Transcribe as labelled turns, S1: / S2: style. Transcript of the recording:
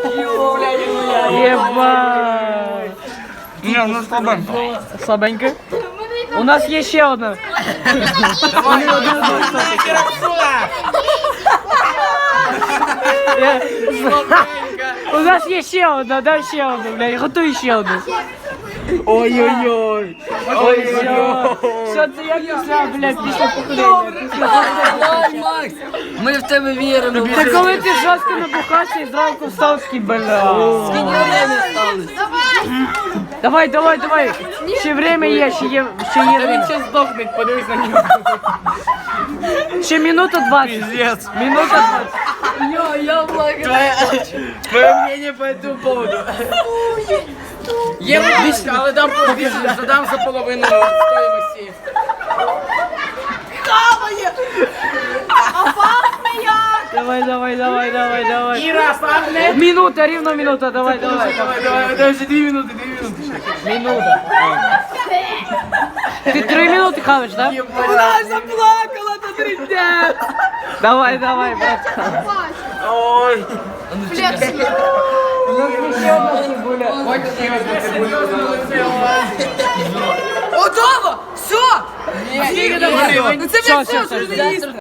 S1: Єба.
S2: Не, ну слабенько.
S1: Слабенько? У нас є ще одна. У нас є ще одна, дай ще одну, блядь, готуй ще одну.
S2: Ой-ой-ой.
S1: Ой-ой-ой. Що це я після, блядь, після похудення?
S3: Давай, Макс! Ми в тебе віримо.
S1: Це коли ти жорстко набухався і зранку встав такий, бля.
S3: Скільки время сталося?
S1: Давай, давай, давай. Ще время є, ще є время.
S2: Сейчас сдохнет, подивись на нього.
S1: Ще минута 20.
S2: Пиздец.
S1: Минута 20.
S3: Я благодарю.
S2: Твое мнение по этому поводу. Є логічно, але дам побільше, задам за половину стоїмості.
S1: Давай, давай, давай, давай, давай.
S2: Іра, славне.
S1: Минута, рівно минута, давай, давай.
S2: Давай, вже 2 минути, 2 минути.
S1: Минута. Ти 3 минути хавиш, так?
S3: Вона заплакала на 3 дня.
S1: Давай, давай, брат.
S2: Ой.
S3: Готово! Все!
S2: Ні,
S3: Ну це
S1: Все,
S3: вже
S1: все,
S3: все,
S1: все.
S3: що не їсти.